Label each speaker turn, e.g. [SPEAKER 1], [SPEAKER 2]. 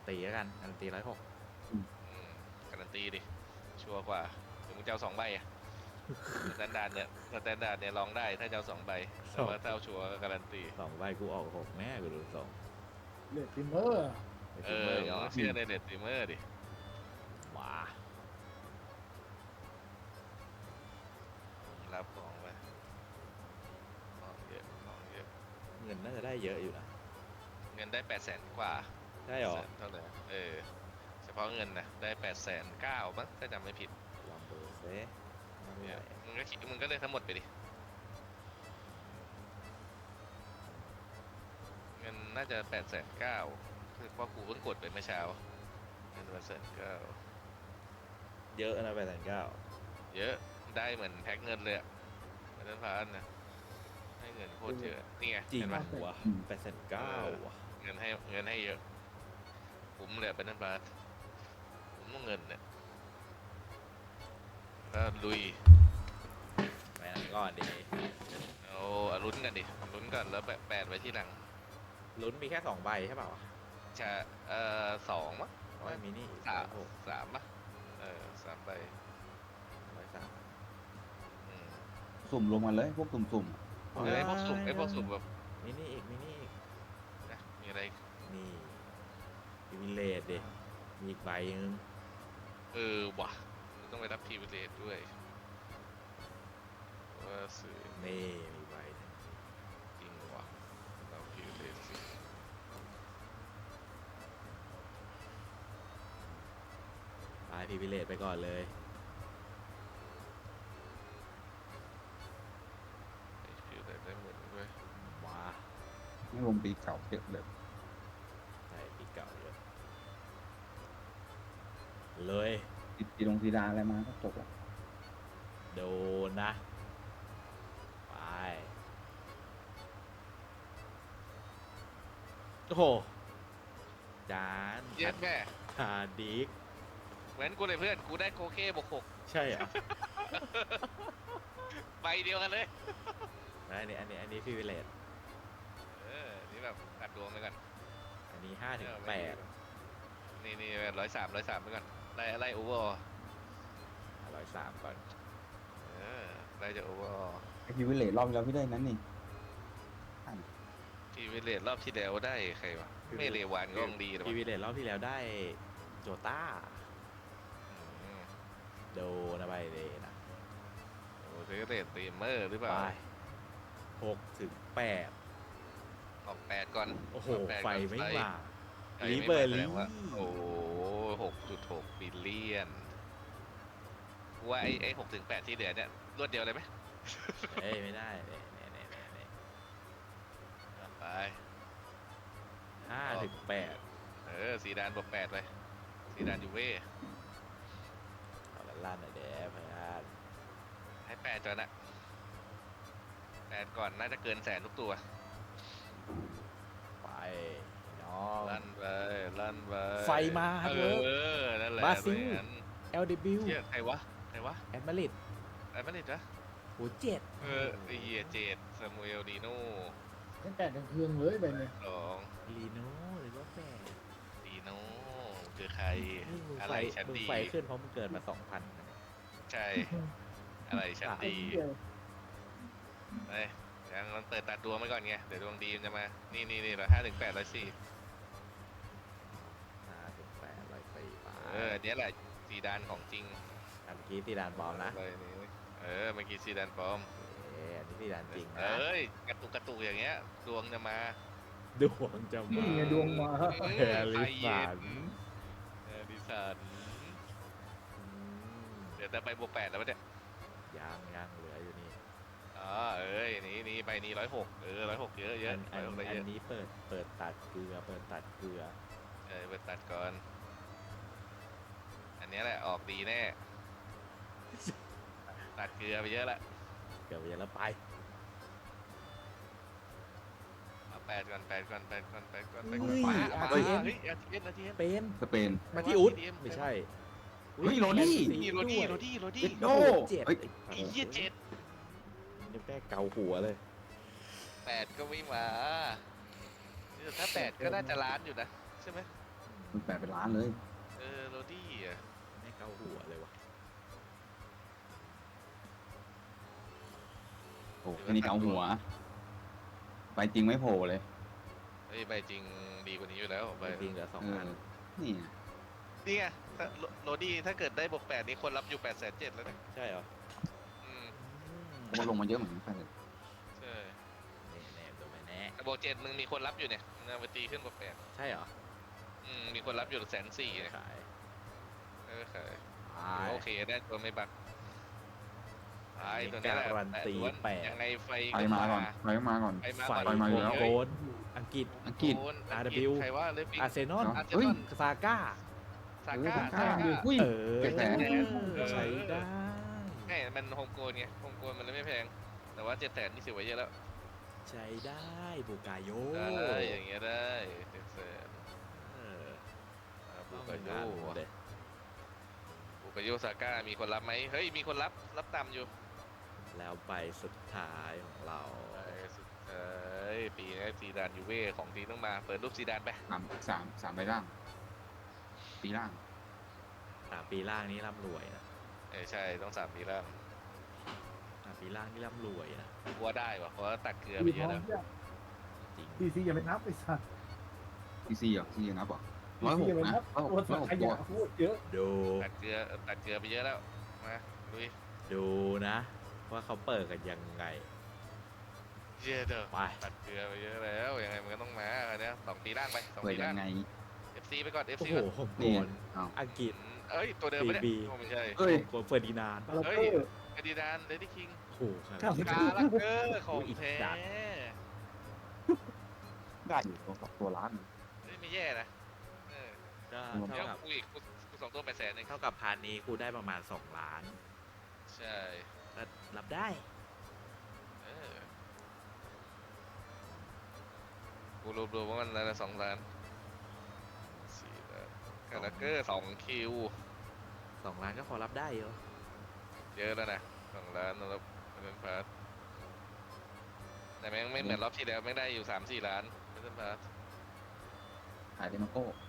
[SPEAKER 1] ตีแล้วกันการันตี106
[SPEAKER 2] อืมการันตีดิชัวร์กว่าหรือมึงจะเอา2 ใบอะสแตนดาร์ดเนี่ยลองได้ถ้าจะเอา2 ใบแต่ว่าถ้าเอาชัวร์ก็การันตี
[SPEAKER 1] 2 ใบกูออก6แน่กูดูทรง
[SPEAKER 3] เลือดฟิมเมอร์
[SPEAKER 1] ไอ้
[SPEAKER 2] เอ
[SPEAKER 1] ฟิมเม
[SPEAKER 2] อ
[SPEAKER 1] อร์
[SPEAKER 2] มึ
[SPEAKER 1] เหรง อ
[SPEAKER 2] ต้องเชื่อในเน็ตสตรีมเมอร์ดิ
[SPEAKER 1] ว้า
[SPEAKER 2] รับของไปของเยอะของเยอะ
[SPEAKER 1] เงินน่าจะได้เยอะอยู่นะ
[SPEAKER 2] เงินได้800,000 กว่า
[SPEAKER 1] ได้หรอ
[SPEAKER 2] เท่าไหร่เฉพาะเงินนะได้809,000มั้งถ้าจำไม่ผิด
[SPEAKER 1] ลองดูซิว่าเท่า
[SPEAKER 2] เนี่
[SPEAKER 1] ไห
[SPEAKER 2] ย
[SPEAKER 1] ร่
[SPEAKER 2] มึงก็เลือกทั้งหมดไปดิเงินน่าจะ809,000คือเพราะกูเพิ่งกดไปเมื่อเช้าเงิน809,000
[SPEAKER 1] เยอะนะ809,000
[SPEAKER 2] เยอะได้เหมือนแพ็คเงินเลยอะเหมือนนั้นพานนะให้เงินโคตรเยอะนี่ไง
[SPEAKER 1] จริง
[SPEAKER 2] เห็นปะ
[SPEAKER 1] วะ809,000ว่ะ
[SPEAKER 2] เงินให้เยอะผมเลยเป็นนั่นบาทผมต้องเงินเนี่ยก็ลุย
[SPEAKER 1] ไปนั่นก่อนดิ
[SPEAKER 2] เอาลุ้นกันดิลุ้นก่อนแล้วแปดไว้ที่หลัง
[SPEAKER 1] ลุ้นมีแค่2 ใบใช่เปล่าวะ
[SPEAKER 2] ชา2 มั้ง
[SPEAKER 1] โอ้ยมินิอีก
[SPEAKER 2] สาม
[SPEAKER 1] 106
[SPEAKER 2] 3มั้ง3 ใบ
[SPEAKER 1] 103
[SPEAKER 2] อืม
[SPEAKER 4] สุ่มรวมกันเลยพวกสุ่ม
[SPEAKER 2] ไอ้พวกสุ่มแบบ
[SPEAKER 1] มินิอีก
[SPEAKER 2] นะมีอะไร
[SPEAKER 1] นี่พิเวเลตดิมีอีกใบนึง
[SPEAKER 2] ว่ะต้องไปรับพรีเวลเลตด้วยว่าซื้อ
[SPEAKER 1] นี่มีใบหนึ่ง
[SPEAKER 2] จริงว่ะรับพรีเวลเลตสิ
[SPEAKER 1] ไปพิเวเลตไปก่อนเลย
[SPEAKER 2] ไอ้พรีเวลเลตได้หมดด้วย
[SPEAKER 1] มา
[SPEAKER 4] ๆไม่รวมปีเก่าเยอะเลย
[SPEAKER 1] ใช่ปีเก่าเยอะเลย
[SPEAKER 4] ตีลงตีดาอะไรมาก็จบละ
[SPEAKER 1] โดนนะ ไป โอ้โห จาน
[SPEAKER 2] เย็ดแม่
[SPEAKER 1] ฮาดิก
[SPEAKER 2] เหมือนกูเลยเพื่อนกูได้โคเก้บวก6
[SPEAKER 1] ใช่เหรอ่ะ
[SPEAKER 2] ใบเดียวกันเลย
[SPEAKER 1] อันนี้พิเวเลต
[SPEAKER 2] นี่แบบตัดดวงไปก่อน
[SPEAKER 1] อันนี้5 ถึง 8
[SPEAKER 2] นี่103ไปก่อนไล่โอเวอร์
[SPEAKER 1] 103ก่อน
[SPEAKER 2] ไล่จากโอเวอร์
[SPEAKER 4] ไอพิวเวลเลตรอบที่แล้วพี่ได้นั้นนี่
[SPEAKER 2] ทีวิเลตรอบที่แล้วได้ใครวะไม่เลวานก็ต้องดีหรอ
[SPEAKER 1] พิ
[SPEAKER 2] วะ
[SPEAKER 1] เวเลตรอบที่แล้วได้โจต้า
[SPEAKER 2] อืม
[SPEAKER 1] โดนไปเลยนะ
[SPEAKER 2] โอ้เทเลตตีมเมอร์หรือเป
[SPEAKER 1] ไป
[SPEAKER 2] ล่า
[SPEAKER 1] 6 ถึง 8
[SPEAKER 2] ออก8ก่อน
[SPEAKER 1] โอ้โห
[SPEAKER 2] ออก8
[SPEAKER 1] ไฟ
[SPEAKER 2] ก่อน
[SPEAKER 1] ไม่มา
[SPEAKER 2] ไฟ
[SPEAKER 1] ลิ
[SPEAKER 2] ไม่
[SPEAKER 1] เบอ
[SPEAKER 2] มา
[SPEAKER 1] ร์
[SPEAKER 2] แสด
[SPEAKER 1] ลี่
[SPEAKER 2] งว่าโอ้6.6 บิลเลียนว่าไอ้6 ถึง 8ที่เหลือเนี่ยรวดเดียวเลยไหม
[SPEAKER 1] เอ้ย ไม่ได้เนี่ย
[SPEAKER 2] ไป
[SPEAKER 1] 5 ถึง 8
[SPEAKER 2] สีดานบวก8ไปสีดานยูเว่
[SPEAKER 1] เอาละลั่นหน่อยเด้เพื่อน
[SPEAKER 2] ให้8ก่อนนะ8ก่อนน่าจะเกิน100,000ทุกตัว
[SPEAKER 1] ไปน้อง
[SPEAKER 2] ลั่นไป
[SPEAKER 1] ไฟมาครับเวิร์ก
[SPEAKER 2] นั่นแหละ
[SPEAKER 1] บราซิล
[SPEAKER 2] งั้น
[SPEAKER 1] LW
[SPEAKER 2] เชี่ยใครวะ
[SPEAKER 1] แอดมาริด
[SPEAKER 2] ไอ้มาริดนะ
[SPEAKER 1] โหเจ็ด
[SPEAKER 2] ไอ้เหี้ยเจดซามูเอลดีโน่
[SPEAKER 3] ตั้งแต่กลางคืนเลยไปเนี่ย
[SPEAKER 2] 2
[SPEAKER 1] ลีโน่หรือว่าแปด
[SPEAKER 2] ดีโน่คือใคร
[SPEAKER 1] นี่มึง
[SPEAKER 2] อะ
[SPEAKER 1] ไฟ
[SPEAKER 2] ไรชั้น
[SPEAKER 1] มึง
[SPEAKER 2] ดี
[SPEAKER 1] ไฟขึ้นเพราะมึงเกิดมา 2,000นะเนี่ย
[SPEAKER 2] ใช่ อะไรชั้น
[SPEAKER 3] ไอ้
[SPEAKER 2] ดี
[SPEAKER 3] เหี้ย
[SPEAKER 2] ไปยังมันเปิดตัดดวงไปก่อนไง เดี๋ยวดวงดีมันจะมา นี่5 ถึง 8 104
[SPEAKER 1] 5 ถึง 8 104ไป
[SPEAKER 2] อันเนี้ยแหละซีดานของจริง
[SPEAKER 1] เมื่อกี้ตีดานบอลนะ
[SPEAKER 2] เลยนี่เมื่อกี้ซีดานปลอม
[SPEAKER 1] อันนี้ตีดานจริงนะ
[SPEAKER 2] กระตุกอย่างเงี้ย ดวงจะมา
[SPEAKER 1] ดวงจะมา
[SPEAKER 3] นี่ไงดวงมา
[SPEAKER 1] แฮร์รี่สัน
[SPEAKER 2] ดิสัน เดี๋ยวจะไปบวก8แล้วปะเนี่ย
[SPEAKER 1] ยังเหลืออยู่นี่
[SPEAKER 2] นี่ใบนี้106 106เยอะ
[SPEAKER 1] อั
[SPEAKER 2] 106
[SPEAKER 1] น
[SPEAKER 2] เยอะ
[SPEAKER 1] นี้เปิดตัดเกลือเปิดตัดเกลือ
[SPEAKER 2] ไปตัดก่อน อันนี้แหละออกดีแน่ ตัดเกลือไปเยอะละ
[SPEAKER 1] เกือบจะแล้วไป
[SPEAKER 2] เอา8ก่อน8ก่อน8ก่อน8ก่อน
[SPEAKER 1] เฮ้ย
[SPEAKER 2] ขวา
[SPEAKER 1] RTM
[SPEAKER 2] เฮ้ย RTM
[SPEAKER 1] เป็น
[SPEAKER 4] สเปน
[SPEAKER 1] มาที่อุดไม่ใช่
[SPEAKER 4] เฮ้ยโรดี้
[SPEAKER 2] นี่โรดี้
[SPEAKER 4] เจ็ดโด
[SPEAKER 1] เจ็ด
[SPEAKER 4] เฮ้ย
[SPEAKER 2] ไอ้เหี้ย7
[SPEAKER 1] นี่แม่เกาหัวเลย
[SPEAKER 2] 8ก็ไม่มาถ้า8ก็น่าจะล้านอยู่นะ ใช่ไหม
[SPEAKER 4] คุณแปดเป็นล้านเลย
[SPEAKER 2] โรดี้อ่ะ
[SPEAKER 1] ไม่เกาหัวเลยวะ
[SPEAKER 4] โอ้แค่นี้เกาหัวไปจริงไม่โผล่เลย
[SPEAKER 2] เฮ้ยใบจริงดีกว่านี้อยู่แล้วใบ
[SPEAKER 1] จริงๆเหลือสอง
[SPEAKER 4] เอ
[SPEAKER 1] อัน
[SPEAKER 4] อนี่ไง
[SPEAKER 2] นี่ไงถ้าโรดี้ถ้าเกิดได้บวก8นี่คนรับอยู่870,000แล้วนะ
[SPEAKER 1] ใช่เหรอ
[SPEAKER 2] อืม
[SPEAKER 4] เขาก็ลงมาเยอะเหมือนกัน
[SPEAKER 2] ใช่
[SPEAKER 1] แน่ๆตัวไม่แน่
[SPEAKER 2] แต่บวก7มึงมีคนรับอยู่เนี่ยมึงเอาไปตีขึ้นบวก8
[SPEAKER 1] ใช่เหรอ
[SPEAKER 2] มีคนรับอยู่140,000เนี่ย
[SPEAKER 1] ขาย
[SPEAKER 2] ขาย
[SPEAKER 1] ขาย
[SPEAKER 2] โอเคได้ตัวไม่บักไอ้ตัวนี้แหละ
[SPEAKER 1] การันตี
[SPEAKER 2] ล้วน
[SPEAKER 1] 8
[SPEAKER 2] ยังไงไฟ
[SPEAKER 4] ไปมาก่อนไปมาก่อน
[SPEAKER 2] ไฟมา
[SPEAKER 1] ไฟ
[SPEAKER 2] ก่อน
[SPEAKER 4] มาอยู่แล้ว
[SPEAKER 1] โกนอังกฤษ
[SPEAKER 4] อังกฤษ
[SPEAKER 2] โอน
[SPEAKER 1] RW
[SPEAKER 2] ใครว่าเลฟฟิง
[SPEAKER 1] อาร์เซนอล
[SPEAKER 2] อาร์เซ
[SPEAKER 4] เฮ้
[SPEAKER 2] น
[SPEAKER 4] ย
[SPEAKER 2] อล
[SPEAKER 1] ซาก้า
[SPEAKER 2] ซาก้า
[SPEAKER 4] ซาก้าดิอุ้ย
[SPEAKER 1] เออ
[SPEAKER 4] 700,000
[SPEAKER 1] ใช้ได้
[SPEAKER 2] ไงมันโฮมโกนไงโฮมโกนมันเลยไม่แพง แต่ว่า700,000นี่ถือว่าเยอะแล้ว
[SPEAKER 1] ใช้ได้บูกาโย
[SPEAKER 2] ได้อย่างเงี้ยได้700,000
[SPEAKER 1] เออ
[SPEAKER 2] บุ
[SPEAKER 1] ต้อง
[SPEAKER 2] กาโย
[SPEAKER 1] งานเลย
[SPEAKER 2] บุกาโยซาก้ามีคนรับไหมเฮ้ยมีคนรับตามอยู่
[SPEAKER 1] แล้วใบสุดท้ายของเรา
[SPEAKER 2] ไอ้สุดท้ายปีนี้ซีดานยูเว่ของทีต้องมาเปิดรูปซีดานไป
[SPEAKER 4] สามใบล่างปีล่าง
[SPEAKER 1] ปีล่างนี้ร่ำรวยนะ
[SPEAKER 2] ใช่ต้อง3 ปีแล้ว
[SPEAKER 1] ปีล่างนี่ร่ำรวยนะ
[SPEAKER 2] วัวได้วะเพราะว่าตักเกลือไป
[SPEAKER 3] มี
[SPEAKER 2] เย
[SPEAKER 3] ท้อ
[SPEAKER 2] อะ
[SPEAKER 3] ง
[SPEAKER 2] แล้ว
[SPEAKER 3] เนี่ย
[SPEAKER 1] จริง
[SPEAKER 3] ซีอย่าไปนับไอ้สัตว์
[SPEAKER 4] ทีซีเหรอทีนับเหรอ
[SPEAKER 3] ซีอย่าไป
[SPEAKER 4] 106นะ
[SPEAKER 3] นับ
[SPEAKER 4] 106
[SPEAKER 3] ตัวสัตว์ข
[SPEAKER 4] ตั
[SPEAKER 3] ยะ
[SPEAKER 4] ว
[SPEAKER 3] พูดเยอะ
[SPEAKER 1] ดู
[SPEAKER 2] ตักเกลือไปเยอะแล้วมาลุย
[SPEAKER 1] ดูนะ ว่าเขาเปิดกันยังไง
[SPEAKER 2] เยอะเด้อ
[SPEAKER 1] ไป
[SPEAKER 2] ตักเกลือไปเยอะแล้วยังไงมันก็ต้องมาอันเนี้ย2 ปีล่างไป2
[SPEAKER 4] เปิด
[SPEAKER 2] ปี
[SPEAKER 4] ยั
[SPEAKER 2] ล่าง
[SPEAKER 4] งไง
[SPEAKER 2] FC ไปก่อน
[SPEAKER 1] โอ้
[SPEAKER 2] FC
[SPEAKER 1] โห
[SPEAKER 2] ก่อน
[SPEAKER 1] ผมโก
[SPEAKER 4] นี่
[SPEAKER 1] น
[SPEAKER 4] เอา
[SPEAKER 1] อังกฤษ
[SPEAKER 2] เอ้ยตัวเดิมไม่ได้
[SPEAKER 1] BB
[SPEAKER 2] โอ้ไม่ใช่
[SPEAKER 4] เอ้ย
[SPEAKER 1] โกนเฟอร์ดินานด์ปะ
[SPEAKER 3] เรา
[SPEAKER 2] เฮ้
[SPEAKER 3] เต
[SPEAKER 2] ย
[SPEAKER 3] อร์
[SPEAKER 2] เอดิดานเลดี้คิง
[SPEAKER 1] โอ้โหครับ
[SPEAKER 3] ครับ
[SPEAKER 2] กาลักเกอร์ของแท้
[SPEAKER 4] ได้อยู่ตัวล้าน
[SPEAKER 2] เฮ้ยไม่แย่นะเออ
[SPEAKER 1] ก็
[SPEAKER 2] เดี๋ยว
[SPEAKER 1] เท่ากับ
[SPEAKER 2] กูอีกกู2 ตัว800,000เอง
[SPEAKER 1] เท่ากับพาร์ทนี้กูได้ประมาณ2 ล้าน
[SPEAKER 2] ใช่
[SPEAKER 1] ก็รับได้
[SPEAKER 2] เออกูรวมๆว่ามันอะไร2 ล้าน4 ล้านกาลักเกอร์2 คิว
[SPEAKER 1] 2 ล้านก็พอรับได้เหรอ
[SPEAKER 2] เยอะแล้วนะ2 ล้านแล้วเป็นพาร์ทแต่แม่งไม่เหมือนรอบที่แล้วแม่งได้อยู่3-4 ล้านเป็นพาร์ท
[SPEAKER 4] ขายเดมาโก้